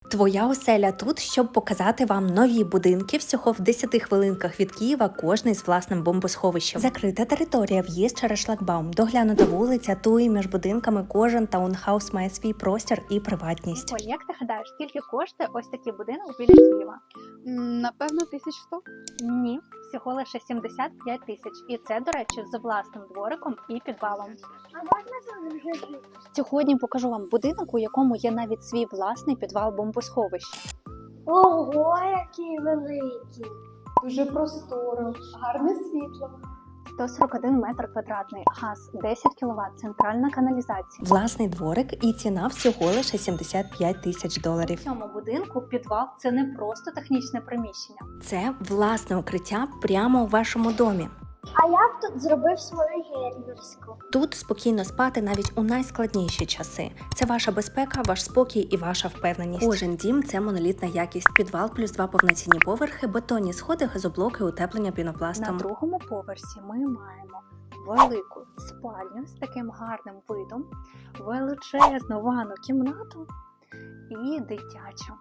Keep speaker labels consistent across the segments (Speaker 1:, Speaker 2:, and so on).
Speaker 1: Твоя оселя тут, щоб показати вам нові будинки всього в 10 хвилинках від Києва, кожний з власним бомбосховищем. Закрита територія, в'їзд через шлагбаум, доглянута вулиця, туї між будинками, кожен таунхаус має свій простір і приватність.
Speaker 2: Оль, як ти гадаєш, скільки коштує ось такий будинок біля Києва?
Speaker 3: Напевно, 1100.
Speaker 2: Ні, всього лише 75 тисяч. І це, до речі, з власним двориком і підвалом.
Speaker 4: А можна тут жити?
Speaker 2: Сьогодні покажу вам будинок, у якому є навіть свій власний підвал бомбосховища.
Speaker 4: Ого, які великі!
Speaker 3: Дуже просторо, гарне світло.
Speaker 2: 141 метр квадратний, газ 10 кВт, центральна каналізація.
Speaker 1: Власний дворик і ціна всього лише $75 000.
Speaker 2: В цьому будинку підвал – це не просто технічне приміщення.
Speaker 1: Це власне укриття прямо у вашому домі.
Speaker 4: А я б тут зробив свою гермерську.
Speaker 1: Тут спокійно спати навіть у найскладніші часи. Це ваша безпека, ваш спокій і ваша впевненість. Кожен дім – це монолітна якість. Підвал плюс 2 повноцінні поверхи, бетонні сходи, газоблоки, утеплення пінопластом.
Speaker 2: На другому поверсі ми маємо велику спальню з таким гарним видом, величезну ванну кімнату і дитячу.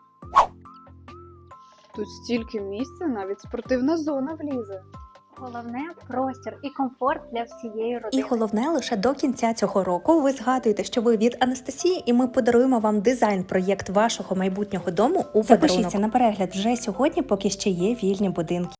Speaker 3: Тут стільки місця, навіть спортивна зона влізе.
Speaker 2: Головне – простір і комфорт для всієї
Speaker 1: І
Speaker 2: родини.
Speaker 1: головне, лише до кінця цього року ви згадуєте, що ви від Анастасії, і ми подаруємо вам дизайн-проєкт вашого майбутнього дому у подарунок. Запишіться на перегляд вже сьогодні, поки ще є вільні будинки.